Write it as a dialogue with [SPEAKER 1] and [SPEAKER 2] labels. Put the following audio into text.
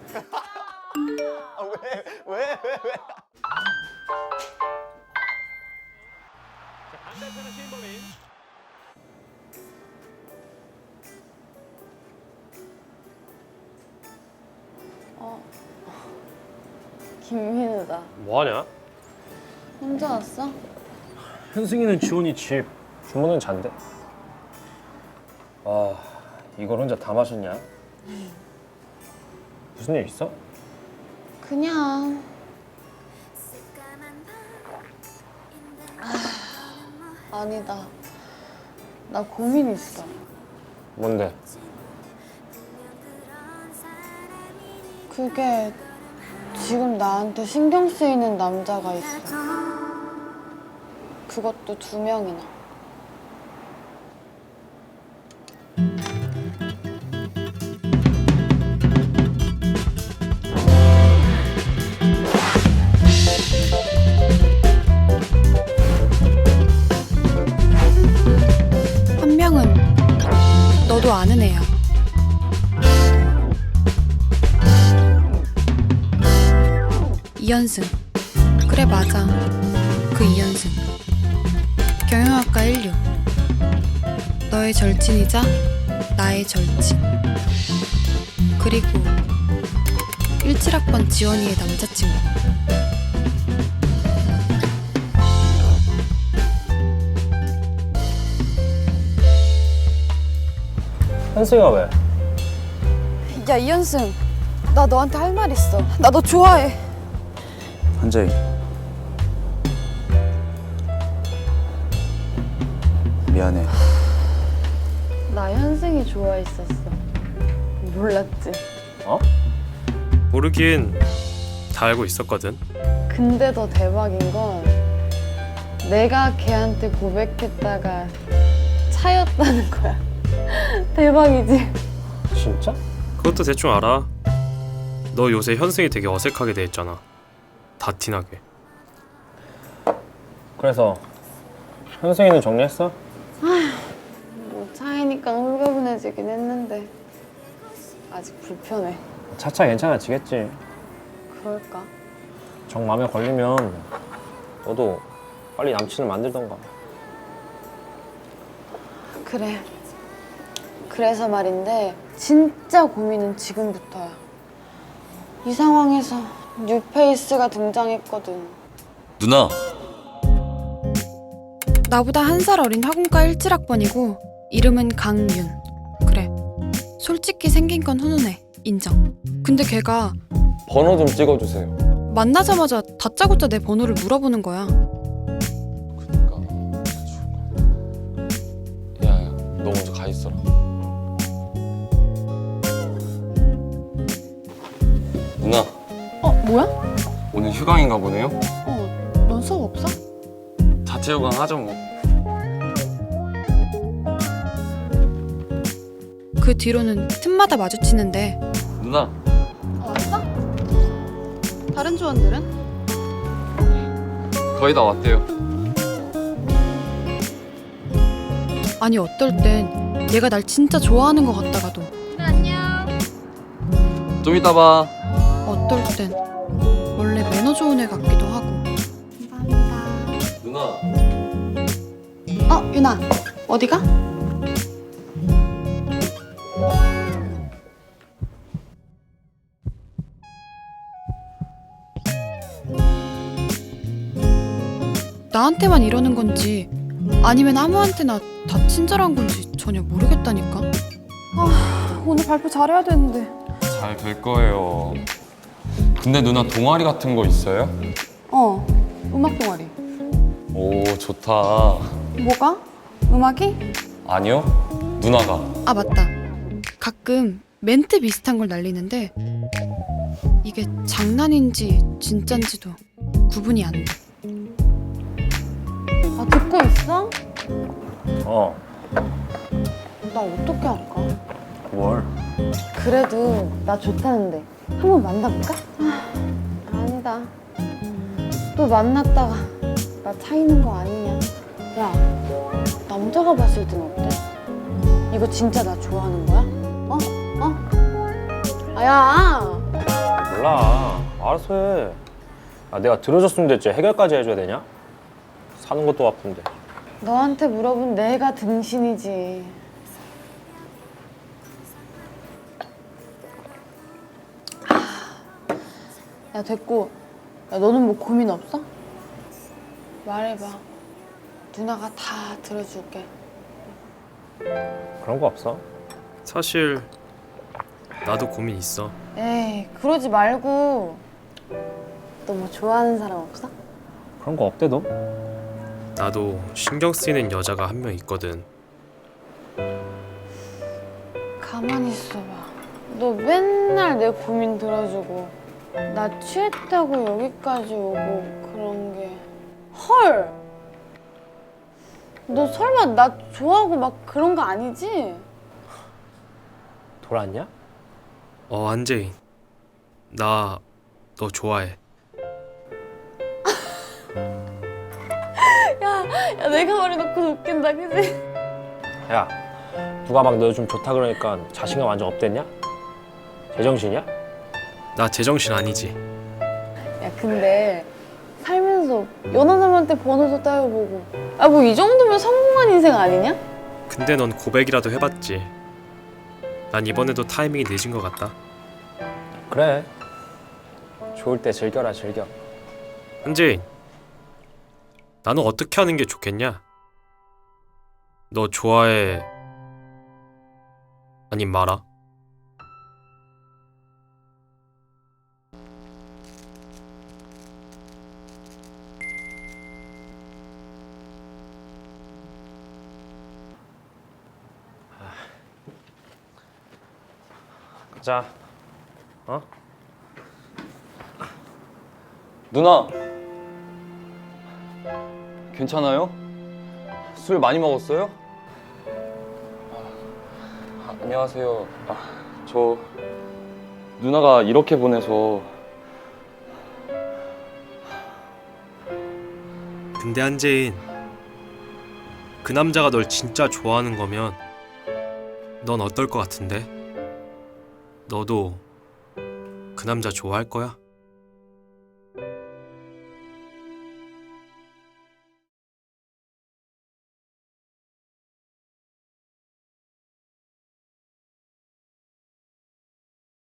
[SPEAKER 1] 왜?
[SPEAKER 2] 자, 반대편은 신범인.
[SPEAKER 3] 김민우다.
[SPEAKER 4] 뭐하냐?
[SPEAKER 3] 혼자 왔어?
[SPEAKER 4] 현승이는 지원이 집, 주문은 잔대. 아, 이걸 혼자 다 마셨냐? 무슨 일 있어?
[SPEAKER 3] 그냥 아니다. 나 고민 있어.
[SPEAKER 4] 뭔데?
[SPEAKER 3] 그게 지금 나한테 신경 쓰이는 남자가 있어. 그것도 2명이나.
[SPEAKER 5] 한 명은 너도 아는 애야. 이현승. 그래, 맞아. 그 이현승. 경영학과 16. 너의 절친이자 나의 절친. 그리고 17학번 지원이의 남자친구.
[SPEAKER 4] 현승이가 왜?
[SPEAKER 5] 야, 이현승. 나 너한테 할 말 있어. 나 너 좋아해.
[SPEAKER 1] 한재희. 미안해.
[SPEAKER 3] 나 현승이 좋아했었어. 몰랐지?
[SPEAKER 4] 어?
[SPEAKER 6] 모르긴 다 알고 있었거든.
[SPEAKER 3] 근데 더 대박인 건 내가 걔한테 고백했다가 차였다는 거야. 대박이지?
[SPEAKER 4] 진짜?
[SPEAKER 6] 그것도 대충 알아. 너 요새 현승이 되게 어색하게 돼 있잖아. 다 티나게.
[SPEAKER 4] 그래서 현승이는 정리했어?
[SPEAKER 3] 뭐 차이니까 홀가분해지긴 했는데 아직 불편해.
[SPEAKER 4] 차차 괜찮아지겠지.
[SPEAKER 3] 그럴까?
[SPEAKER 4] 정 마음에 걸리면 너도 빨리 남친을 만들던가.
[SPEAKER 3] 그래. 그래서 말인데 진짜 고민은 지금부터야. 이 상황에서 뉴페이스가 등장했거든.
[SPEAKER 1] 누나.
[SPEAKER 5] 나보다 1살 어린 화공과 17학번이고 이름은 강윤. 그래, 솔직히 생긴 건 훈훈해. 인정. 근데 걔가
[SPEAKER 7] 번호 좀 찍어주세요.
[SPEAKER 5] 만나자마자 다짜고짜 내 번호를 물어보는 거야.
[SPEAKER 7] 야야, 너 먼저 가 있어라. 누나,
[SPEAKER 3] 뭐야?
[SPEAKER 7] 오늘 휴강인가 보네요?
[SPEAKER 3] 넌 수업 없어?
[SPEAKER 7] 자체 휴강 하죠 뭐.
[SPEAKER 5] 그 뒤로는 틈마다 마주치는데
[SPEAKER 7] 누나,
[SPEAKER 3] 왔어? 다른 조원들은?
[SPEAKER 7] 거의 다 왔대요.
[SPEAKER 5] 아니 어떨 땐 얘가 날 진짜 좋아하는 것 같다가도
[SPEAKER 7] 좀 이따 봐.
[SPEAKER 5] 어떨 땐 원래 매너 좋은 애 같기도 하고.
[SPEAKER 7] 누나.
[SPEAKER 5] 윤아, 어디가? 나한테만 이러는 건지 아니면 아무한테나 다 친절한 건지 전혀 모르겠다니까. 오늘 발표 잘해야 되는데.
[SPEAKER 7] 잘 될 거예요. 근데 누나 동아리 같은 거 있어요?
[SPEAKER 3] 음악 동아리.
[SPEAKER 7] 오, 좋다.
[SPEAKER 5] 뭐가? 음악이?
[SPEAKER 7] 아니요, 누나가.
[SPEAKER 5] 아, 맞다. 가끔 멘트 비슷한 걸 날리는데 이게 장난인지 진짠지도 구분이 안 돼.
[SPEAKER 3] 아, 듣고 있어?
[SPEAKER 4] 어,
[SPEAKER 3] 나 어떻게 할까?
[SPEAKER 4] 뭘?
[SPEAKER 3] 그래도 나 좋다는데 한번 만나볼까? 아니다. 또 만났다가 나 차이는 거 아니냐. 야, 남자가 봤을 땐 어때? 이거 진짜 나 좋아하는 거야? 어? 아, 야!
[SPEAKER 4] 알아서 해. 아, 내가 들어줬으면 됐지. 해결까지 해줘야 되냐? 사는 것도 아픈데.
[SPEAKER 3] 너한테 물어본 내가 등신이지. 야, 됐고. 야, 너는 뭐 고민 없어? 말해봐. 누나가 다 들어줄게.
[SPEAKER 4] 그런 거 없어?
[SPEAKER 6] 사실 나도 고민 있어.
[SPEAKER 3] 에이, 그러지 말고. 너 뭐 좋아하는 사람 없어?
[SPEAKER 4] 그런 거 없대 너?
[SPEAKER 6] 나도 신경 쓰이는 여자가 한 명 있거든.
[SPEAKER 3] 가만히 있어봐. 너 맨날 내 고민 들어주고 나 취했다고 여기까지 오고 그런 게 헐! 너 설마 나 좋아하고 막 그런 거 아니지?
[SPEAKER 4] 돌았냐?
[SPEAKER 6] 한재인, 나 너 좋아해.
[SPEAKER 3] 야, 내가 말해놓고 웃긴다, 그지?
[SPEAKER 4] 야, 누가 막 너 요즘 좋다 그러니까 자신감 완전 업됐냐? 제정신이야?
[SPEAKER 6] 나 제정신 아니지.
[SPEAKER 3] 야, 근데 살면서 연하 사람한테 번호도 따여보고 아, 뭐 이 정도면 성공한 인생 아니냐?
[SPEAKER 6] 근데 넌 고백이라도 해봤지. 난 이번에도 타이밍이 늦은 것 같다.
[SPEAKER 4] 그래. 좋을 때 즐겨라, 즐겨.
[SPEAKER 6] 한재인, 나는 어떻게 하는 게 좋겠냐? 너 좋아해? 아님 말아?
[SPEAKER 4] 가자. 어?
[SPEAKER 1] 누나. 괜찮아요? 술 많이 먹었어요? 안녕하세요. 저 누나가 이렇게 보내서.
[SPEAKER 6] 근데 한재인, 그 남자가 널 진짜 좋아하는 거면 넌 어떨 것 같은데? 너도 그 남자 좋아할 거야?